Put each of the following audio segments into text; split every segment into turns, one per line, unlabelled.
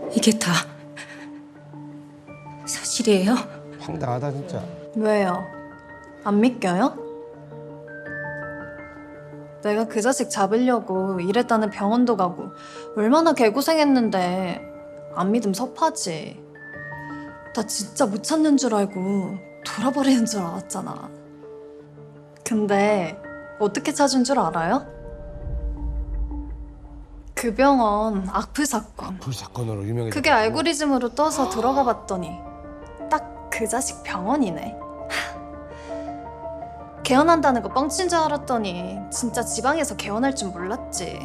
이게 다 사실이에요?
황당하다 진짜.
왜요? 안 믿겨요? 내가 그 자식 잡으려고 일했다는 병원도 가고 얼마나 개고생했는데 안 믿음 섭하지. 나 진짜 못 찾는 줄 알고 돌아버리는 줄 알았잖아. 근데 어떻게 찾은 줄 알아요? 그 병원 악플 사건.
불사건으로 유명해졌고.
그게 알고리즘으로 떠서 들어가 봤더니 딱 그 자식 병원이네. 개원한다는 거 뻥친 줄 알았더니 진짜 지방에서 개원할 줄 몰랐지.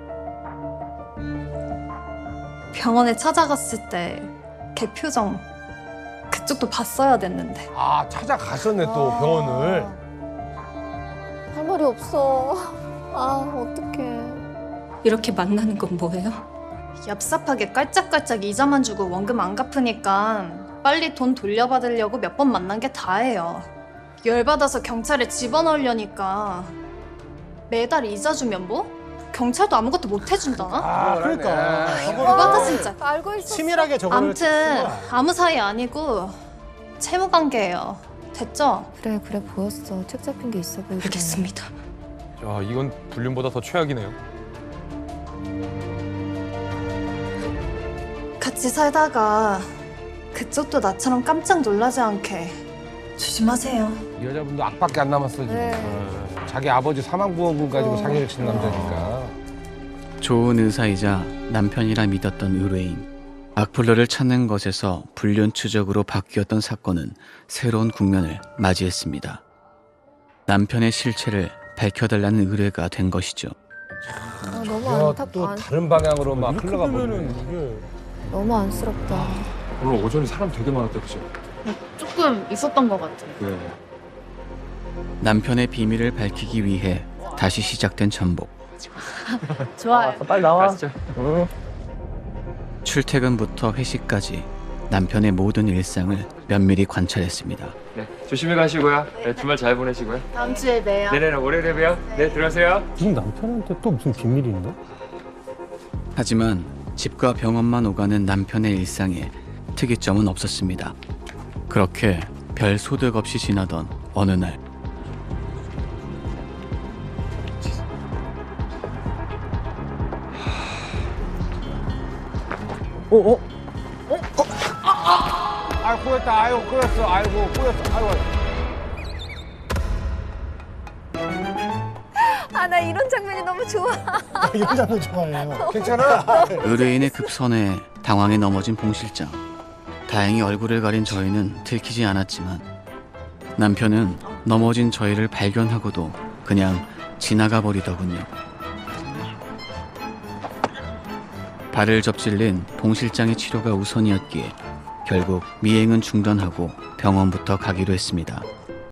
병원에 찾아갔을 때 걔 표정 그쪽도 봤어야 됐는데.
아 찾아갔었네 또 병원을.
할 말이 없어. 아, 어떡해.
이렇게 만나는 건 뭐예요?
얍삽하게 깔짝깔짝 이자만 주고 원금 안 갚으니까 빨리 돈 돌려받으려고 몇 번 만난 게 다예요. 열받아서 경찰에 집어넣으려니까 매달 이자 주면 뭐? 경찰도 아무것도 못 해준다?
아 그러니까.
열받아 진짜.
알고 있었어.
치밀하게 저거를
암튼 아무 사이 아니고 채무 관계예요. 됐죠?
그래 보였어. 책 잡힌 게 있어 보이더라.
알겠습니다.
야, 이건 불륜보다 더 최악이네요.
같이 살다가 그쪽도 나처럼 깜짝 놀라지 않게 조심하세요.
이 여자분도 악밖에 안 남았어 지금.
네.
자기 아버지 사망보험금 가지고 상해를 친 남자니까.
좋은 의사이자 남편이라 믿었던 의뢰인. 악플러를 찾는 것에서 불륜 추적으로 바뀌었던 사건은 새로운 국면을 맞이했습니다. 남편의 실체를 밝혀달라는 의뢰가 된 것이죠.
아, 너무
또
안타까.
다른 방향으로 막
이렇게
흘러가
보면은
버리네.
이게
너무 안쓰럽다.
오늘 오전에 사람 되게 많았다, 그죠?
조금 있었던 것 같아요.
네.
남편의 비밀을 밝히기 위해 다시 시작된 전복.
좋아요.
빨리 나와.
가시죠.
출퇴근부터 회식까지 남편의 모든 일상을 면밀히 관찰했습니다.
네, 조심히 가시고요. 네, 주말 잘 보내시고요.
다음 주에 봬요.
네네, 월요일에 봬요. 네, 들어가세요.
지금 남편한테 또 무슨 비밀이 있나?
하지만 집과 병원만 오가는 남편의 일상에 특이점은 없었습니다. 그렇게 별 소득 없이 지나던 어느 날
아유 꼬였다. 아유 꼬였어. 아이고 꼬였어. 아이고.
아, 나 이런 장면이 너무 좋아.
이런 장면 좋아해요.
괜찮아?
의뢰인의 급선회에 당황해 넘어진 봉 실장. 다행히 얼굴을 가린 저희는 들키지 않았지만 남편은 넘어진 저희를 발견하고도 그냥 지나가 버리더군요. 발을 접질린 봉 실장의 치료가 우선이었기에 결국 미행은 중단하고 병원부터 가기로 했습니다.